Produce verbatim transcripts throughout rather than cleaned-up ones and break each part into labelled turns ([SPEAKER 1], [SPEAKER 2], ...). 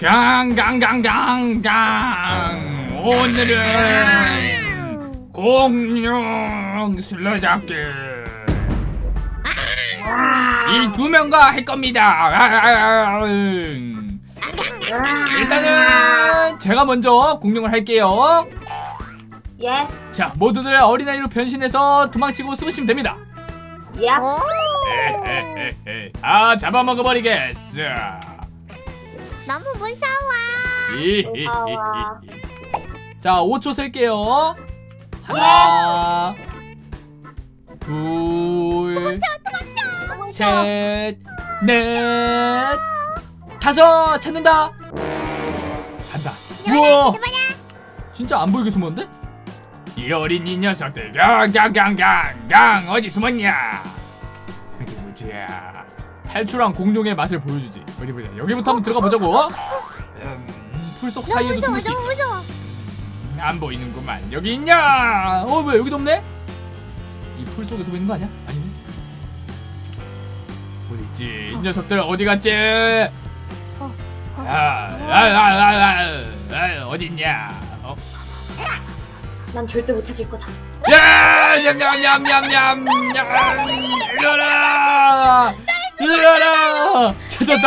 [SPEAKER 1] 강강강강강 오늘은 공룡 술래잡기 이 두 명과 할 겁니다. 일단은 제가 먼저 공룡을 할게요.
[SPEAKER 2] 예.
[SPEAKER 1] 자, 모두들 어린아이로 변신해서 도망치고 숨으시면 됩니다.
[SPEAKER 2] 예.
[SPEAKER 1] 에헤헤헤. 아, 잡아먹어버리겠어.
[SPEAKER 3] 너무 무서워.
[SPEAKER 1] 히히히히. 자, 오 초 셀게요. 하나, 둘, 셋, 넷, 다섯. 찾는다. 간다. 우와, 진짜 안 보이게 숨었는데? 이 어린 이 녀석들, 강강강강강 어디 숨었냐? 여기 보자. 탈출한 공룡의 맛을 보여주지. 어디 보자. 여기부터 한번 들어가 보자고. 음, 풀속
[SPEAKER 3] 너무
[SPEAKER 1] 사이에도
[SPEAKER 3] 무서워.
[SPEAKER 1] 숨을 수 있어.
[SPEAKER 3] 너무 무서워.
[SPEAKER 1] 음, 안 보이는구만. 여기 있냐? 어, 왜 여기도 없네? 이 풀 속에 숨어 있는 거 아니야? 아니네. 어디 있지? 이 녀석들 어디 갔지?
[SPEAKER 3] 어, 어.
[SPEAKER 1] 아, 아, 아, 아, 아, 어디 있냐? 어?
[SPEAKER 2] 난 절대 못 찾을 거다.
[SPEAKER 1] 야! 냠냠냠냠냠! 이리와라! 이리와라! 찾았다!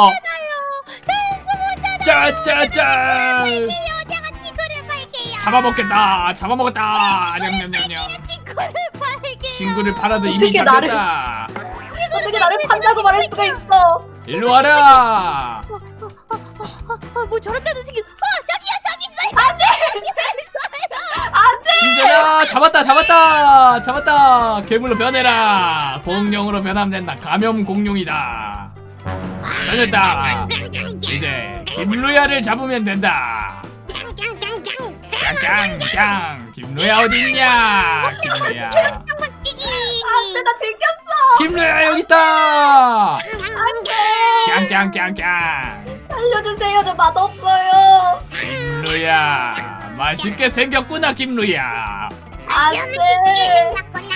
[SPEAKER 1] 짜짜짜!
[SPEAKER 3] 제가 친구를 팔게요.
[SPEAKER 1] 잡아먹겠다! 잡아먹었다! 냠냠냠냠!
[SPEAKER 3] 친구를 팔게요.
[SPEAKER 1] 친구를 팔아도 이미
[SPEAKER 2] 어떻게 나를-
[SPEAKER 1] 잡혔다!
[SPEAKER 2] 어떻게 나를 판다고 말할 수가 있어?
[SPEAKER 1] 일로와라!
[SPEAKER 3] 아, 뭐 저런 데도 지금. 어, 저기요, 저기 있어요.
[SPEAKER 1] 진짜다! 잡았다! 잡았다! 잡았다! 괴물로 변해라! 공룡으로 변하면 된다! 감염 공룡이다! 변했다! 이제 김루야를 잡으면 된다! 깡깡깡! 김루야 어딨냐? 김루야!
[SPEAKER 2] 안돼, 나 들켰어.
[SPEAKER 1] 김루야 여기 있다!
[SPEAKER 2] 안돼.
[SPEAKER 1] 깡깡깡깡!
[SPEAKER 2] 알려주세요. 저 맛없어요.
[SPEAKER 1] 김루야 맛있게 생겼구나 김루야.
[SPEAKER 2] 안돼.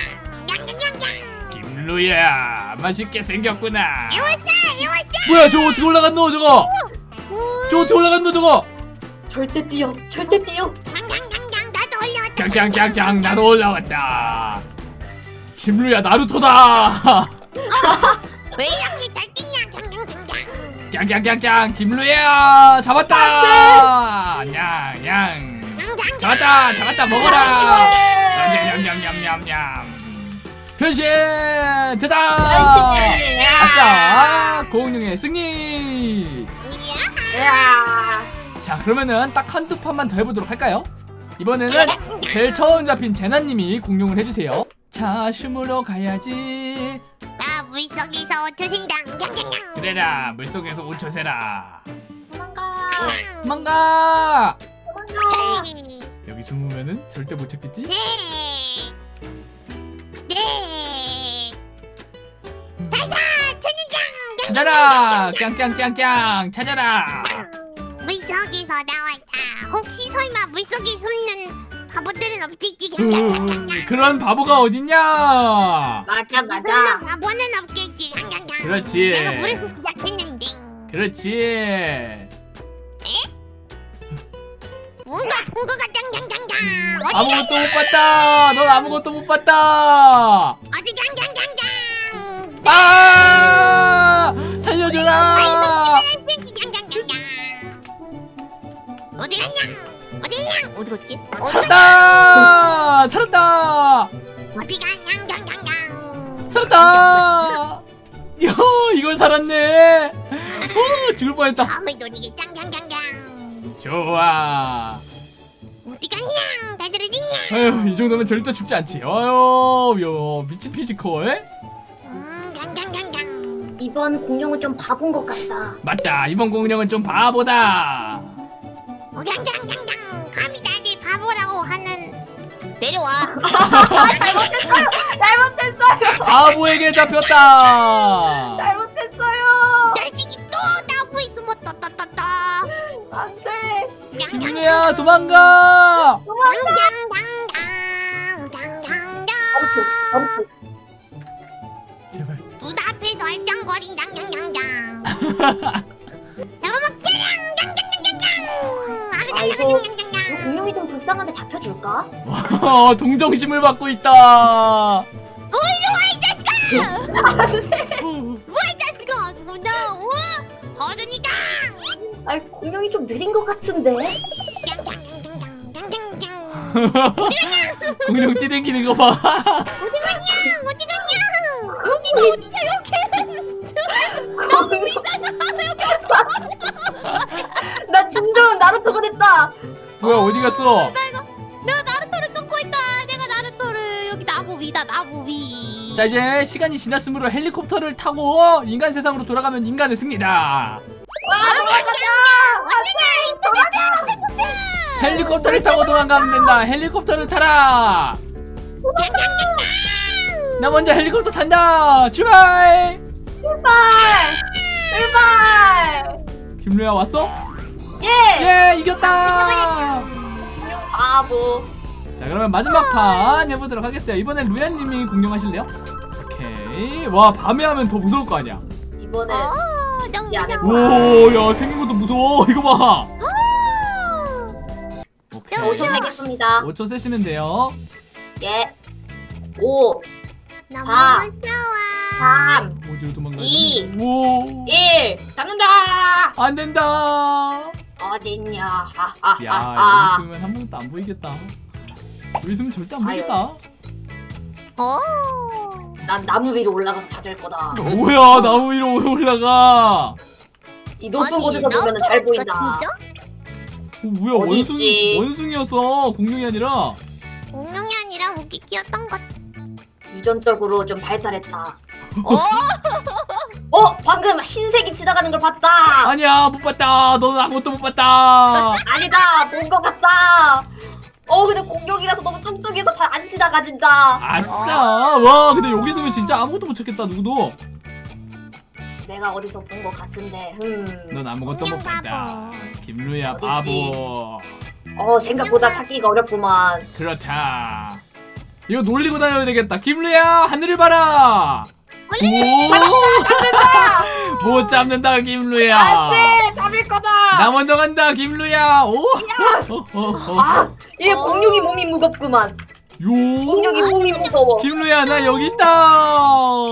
[SPEAKER 1] 김루야 맛있게 생겼구나. 뭐야 저거 어떻게 올라갔노 저거? 저거 어떻게 올라갔노 저거?
[SPEAKER 2] 절대 뛰어. 절대 뛰어.
[SPEAKER 1] 깡깡깡깡 나도 올라왔다. 김루야 나루토다.
[SPEAKER 3] 왜 이렇게 잘 뛰냐?
[SPEAKER 1] 깡깡깡깡 김루야 잡았다. 냥냥 잡았다 잡았다 먹어라. 냠냠냠냠냠냠. 변신 됐다.
[SPEAKER 2] 변신.
[SPEAKER 1] 아싸 공룡의 승리.
[SPEAKER 2] 야.
[SPEAKER 1] 자 그러면은 딱 한두 판만 더 해보도록 할까요? 이번에는 제일 처음 잡힌 제나님이 공룡을 해주세요. 자 춤으로 가야지.
[SPEAKER 3] 나 물속에서 오초신당.
[SPEAKER 1] 그래라 물속에서 오 초 세라.
[SPEAKER 2] 도망가.
[SPEAKER 1] 도망가.
[SPEAKER 2] 도망가.
[SPEAKER 1] 여기 숨으면은 절대 못 찾겠지?
[SPEAKER 3] 네. 네. 다사 천연장.
[SPEAKER 1] 찾아라 깡깡깡깡 찾아라.
[SPEAKER 3] 물속에서 나왔다. 혹시 설마 물속에 숨는 바보들은 없겠지?
[SPEAKER 1] 으, 그런 바보가 어딨냐.
[SPEAKER 2] 맞아,
[SPEAKER 3] 숨는 바보는 없겠지.
[SPEAKER 1] 그렇지.
[SPEAKER 3] 내가 물에서 시작했는데.
[SPEAKER 1] 그렇지.
[SPEAKER 3] 뭔가 본 것 같다. 깡깡깡깡.
[SPEAKER 1] 아무것도 못 봤다. 넌 아무것도 못 봤다.
[SPEAKER 3] 어디 깡깡깡깡.
[SPEAKER 1] 아 살려줘라.
[SPEAKER 3] 어디 갔냐? 어디 갔냐? 어디 갔지?
[SPEAKER 1] 살았다. 살았다.
[SPEAKER 3] 어디 갔냐? 깡깡깡깡.
[SPEAKER 1] 살았다. 요 이걸 살았네. 오 죽을 뻔했다.
[SPEAKER 3] 다음에 노리게 깡깡깡깡.
[SPEAKER 1] 좋아.
[SPEAKER 3] 어디 갔냐? 다들 어딨냐?
[SPEAKER 1] 아유 이 정도면 절대 죽지 않지. 아유 요 미친 피지컬.
[SPEAKER 3] 음, 깡깡깡깡.
[SPEAKER 2] 이번 공룡은 좀 바본 것 같다.
[SPEAKER 1] 맞다. 이번 공룡은 좀 바보다.
[SPEAKER 3] 어, 깡깡깡깡. 감히 나를 바보라고 하는. 내려와.
[SPEAKER 2] 잘못했어요. 잘못했어요.
[SPEAKER 1] 바보에게 잡혔다.
[SPEAKER 2] 잘못했어요.
[SPEAKER 3] 자식이 또 나오고 있으면 또또또또.
[SPEAKER 2] 안돼.
[SPEAKER 1] 김루야 도망가.
[SPEAKER 2] 멈춰. 멈춰.
[SPEAKER 1] 제발.
[SPEAKER 3] 눈 앞에서 얼쩡거린다. 잡아먹자.
[SPEAKER 2] 이거 이거 공룡이 좀 불쌍한데 잡혀줄까?
[SPEAKER 1] 어, 동정심을 받고 있다.
[SPEAKER 3] 뭐야 이 자식아 아주 그냥 어? 버전이다.
[SPEAKER 2] 아이 공룡이 좀 느린 것 같은데.
[SPEAKER 1] 공룡 뛰댕기는 거 봐.
[SPEAKER 3] 어디 갔냐 어디 갔냐 여기가 어디냐 여기
[SPEAKER 2] 나 진정한 나루토가 됐다.
[SPEAKER 1] 뭐야 어디 갔어?
[SPEAKER 3] 내가 나루토를 쫓고 있다. 내가 나루토를 여기 나무 위다 나무 위.
[SPEAKER 1] 자 이제 시간이 지났으므로 헬리콥터를 타고 인간 세상으로 돌아가면 인간의 승리다.
[SPEAKER 2] 와 돌아가자.
[SPEAKER 1] 헬리콥터를 타고 도망가면 된다. 헬리콥터를 타라. 나 먼저 헬리콥터 탄다. 출발.
[SPEAKER 2] 출발. 출발.
[SPEAKER 1] 김루야 왔어?
[SPEAKER 2] 예.
[SPEAKER 1] 예 이겼다.
[SPEAKER 2] 공룡 바보.
[SPEAKER 1] 자 그러면 마지막 판 해보도록 하겠어요. 이번엔 루야님이 공룡하실래요? 오케이. 와 밤에 하면 더 무서울 거 아니야.
[SPEAKER 2] 이번에
[SPEAKER 3] 어 너무
[SPEAKER 2] 지 않을
[SPEAKER 3] 무서워.
[SPEAKER 1] 오야 생긴 것도 무서워. 이거 봐.
[SPEAKER 2] 오 초 세겠습니다.
[SPEAKER 1] 오 초 세시면 돼요.
[SPEAKER 2] 예. 오,
[SPEAKER 3] 너무
[SPEAKER 2] 사.
[SPEAKER 3] 무서워.
[SPEAKER 2] 삼,
[SPEAKER 1] 어디로 도망가지?
[SPEAKER 2] 이.
[SPEAKER 1] 오.
[SPEAKER 2] 일. 잡는다.
[SPEAKER 1] 안 된다.
[SPEAKER 2] 어딨냐?
[SPEAKER 1] 야
[SPEAKER 2] 하하하하.
[SPEAKER 1] 여기 있으면 한 번도 안 보이겠다. 여기 있으면 절대 안
[SPEAKER 2] 아유.
[SPEAKER 1] 보이겠다.
[SPEAKER 3] 어.
[SPEAKER 2] 난 나무 위로 올라가서 찾을 거다.
[SPEAKER 1] 뭐야 나무 위로 올라가.
[SPEAKER 2] 이 높은
[SPEAKER 3] 아니,
[SPEAKER 2] 곳에서 보면 잘
[SPEAKER 3] 나루토라니까,
[SPEAKER 2] 보인다.
[SPEAKER 3] 진짜?
[SPEAKER 1] 어, 뭐야
[SPEAKER 2] 어디
[SPEAKER 1] 원숭
[SPEAKER 2] 있지?
[SPEAKER 1] 원숭이였어. 공룡이 아니라.
[SPEAKER 3] 공룡이 아니라 우기끼였던 것.
[SPEAKER 2] 유전적으로 좀 발달했다.
[SPEAKER 3] 어?
[SPEAKER 2] 어, 방금 흰색이 지나가는 걸 봤다.
[SPEAKER 1] 아니야 못 봤다. 너는 아무것도 못 봤다.
[SPEAKER 2] 아니다, 본 것 같다. 어, 근데 공룡이라서 너무 뚱뚱해서 잘 안 지나가진다.
[SPEAKER 1] 아싸. 와 근데 여기 있으면 진짜 아무것도 못 찾겠다. 누구도.
[SPEAKER 2] 내가 어디서 본 것 같은데. 음.
[SPEAKER 1] 넌 아무것도 못
[SPEAKER 3] 공룡
[SPEAKER 1] 봤다.
[SPEAKER 3] 바보.
[SPEAKER 1] 김루야
[SPEAKER 2] 어딨지?
[SPEAKER 1] 바보.
[SPEAKER 2] 어, 생각보다 찾기가 어렵구만.
[SPEAKER 1] 그렇다. 이거 놀리고 다녀야 되겠다. 김루야 하늘을 봐라. 오. 못 잡는다 김루야.
[SPEAKER 2] 안돼, 잡을 거다.
[SPEAKER 1] 나 먼저 간다 김루야. 오. 어, 어, 어.
[SPEAKER 2] 아, 얘
[SPEAKER 1] 어.
[SPEAKER 2] 공룡이 몸이 무겁구만.
[SPEAKER 1] 요.
[SPEAKER 2] 공룡이 몸이 무거워.
[SPEAKER 1] 김루야 나 여기 있다.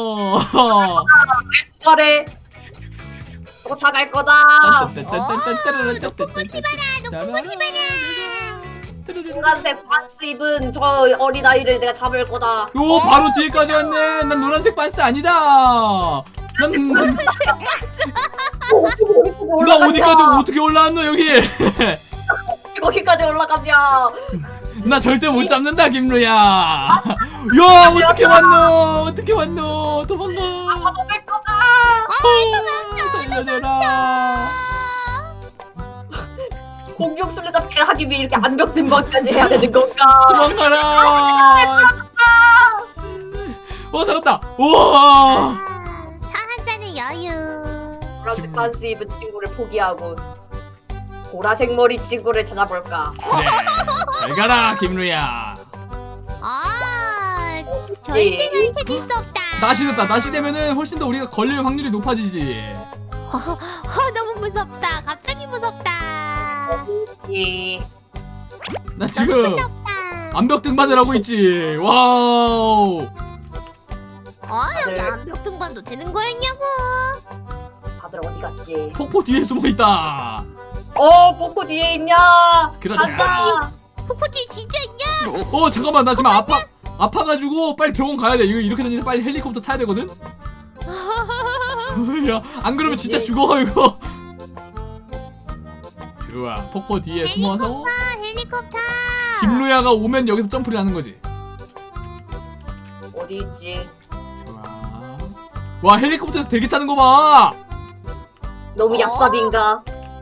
[SPEAKER 2] 잘해. 쫓아갈 거다. 노란색 바스 입은 저 어린아이를 내가 잡을 거다.
[SPEAKER 1] 요 바로 뒤에까지 왔네. 난 노란색 반스 아니다. 난, 난, 나 어디까지 어떻게 올라왔노 여기.
[SPEAKER 2] 거기까지 올라가냐?
[SPEAKER 1] 나 절대 못 잡는다 김루야. 야 어떻게 왔노 어떻게 왔노. 도망가.
[SPEAKER 2] 잡을 거다.
[SPEAKER 1] 어, 살려줘라.
[SPEAKER 2] 공룡 술래잡기를 하기 위해 이렇게 암벽 등반까지 해야 되는 건가?
[SPEAKER 1] 도망가라. 어 살았다. 우와.
[SPEAKER 3] 차 한 잔의 여유.
[SPEAKER 2] 보라색 반스 입은 친구를 포기하고 보라색 머리 친구를 찾아볼까?
[SPEAKER 1] 그래 잘 가라 김루야.
[SPEAKER 3] 아, 절대는 찾을 수 없다.
[SPEAKER 1] 낮이 됐다. 낮이 되면은 훨씬 더 우리가 걸릴 확률이 높아지지.
[SPEAKER 3] 어, 너무 무섭다. 갑자기 무섭다.
[SPEAKER 2] 예.
[SPEAKER 1] 나
[SPEAKER 3] 너무
[SPEAKER 1] 지금
[SPEAKER 3] 무섭다.
[SPEAKER 1] 암벽 등반을 하고 있지. 와우.
[SPEAKER 3] 어, 여기
[SPEAKER 2] 다들-
[SPEAKER 3] 암벽 등반도 되는 거였냐고.
[SPEAKER 2] 다들 어디 갔지?
[SPEAKER 1] 폭포 뒤에 숨어 있다.
[SPEAKER 2] 어, 폭포 뒤에 있냐?
[SPEAKER 1] 그러자.
[SPEAKER 2] 간다.
[SPEAKER 3] 폭포 뒤에 진짜 있냐?
[SPEAKER 1] 어 잠깐만 나 지금 아파 아파가지고 빨리 병원 가야 돼. 이거 이렇게 다니면 빨리 헬리콥터 타야 되거든. 야 안 그러면 진짜 죽어 이거. 좋아 폭포 뒤에 숨어서
[SPEAKER 3] 헬리콥터, 헬리콥터.
[SPEAKER 1] 김루야가 오면 여기서 점프를 하는 거지.
[SPEAKER 2] 어디 있지?
[SPEAKER 1] 좋아. 와 헬리콥터에서 대기 타는 거 봐.
[SPEAKER 2] 너무
[SPEAKER 3] 어?
[SPEAKER 2] 약삽인가?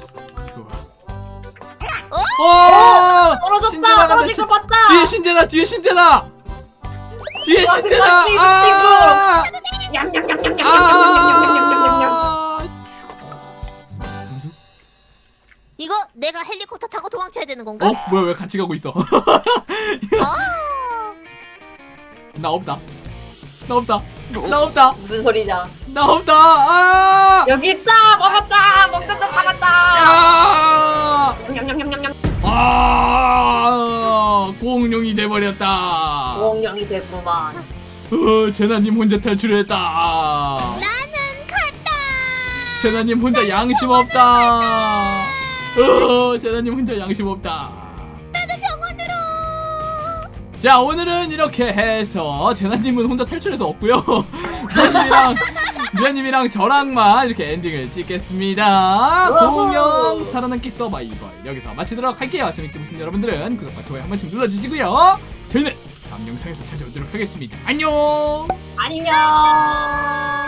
[SPEAKER 1] 좋아. 어!
[SPEAKER 2] 떨어졌다.
[SPEAKER 1] 신재나가
[SPEAKER 2] 떨어진
[SPEAKER 1] 신-
[SPEAKER 2] 걸 봤다.
[SPEAKER 1] 뒤에 신재나 뒤에 신재나 뒤에
[SPEAKER 2] 와,
[SPEAKER 1] 신재나.
[SPEAKER 2] 그
[SPEAKER 1] 아!
[SPEAKER 2] 냠냠냠냠냠냠냠냠냠냠냠냠.
[SPEAKER 1] 아!
[SPEAKER 3] 이거 내가 헬리콥터 타고 도망쳐야 되는 건가?
[SPEAKER 1] 어? 뭐야 왜 같이 가고 있어?
[SPEAKER 3] 어?
[SPEAKER 1] 나 없다. 나 없다. 나 없다.
[SPEAKER 2] 무슨 소리냐?
[SPEAKER 1] 나 없다. 아!
[SPEAKER 2] 여기 있다. 먹었다. 먹는다. 잡았다.
[SPEAKER 1] 아!
[SPEAKER 2] 냠냠냠냠냠.
[SPEAKER 1] 아!
[SPEAKER 2] 됐구만.
[SPEAKER 1] 어, 제나님 혼자 탈출했다.
[SPEAKER 3] 나는 갔다.
[SPEAKER 1] 제나님 혼자 양심 없다. 어, 제나님 혼자 양심 없다.
[SPEAKER 3] 나도 병원으로.
[SPEAKER 1] 자, 오늘은 이렇게 해서 제나님은 혼자 탈출해서 없고요. 미아님이랑 미아님이랑 저랑만 이렇게 엔딩을 찍겠습니다. 공룡 살아남기 서바이벌 여기서 마치도록 할게요. 재밌게 보신 여러분들은 구독과 좋아요 한 번씩 눌러주시고요. 저희는 다음 영상에서 찾아오도록 하겠습니다. 안녕.
[SPEAKER 2] 안녕.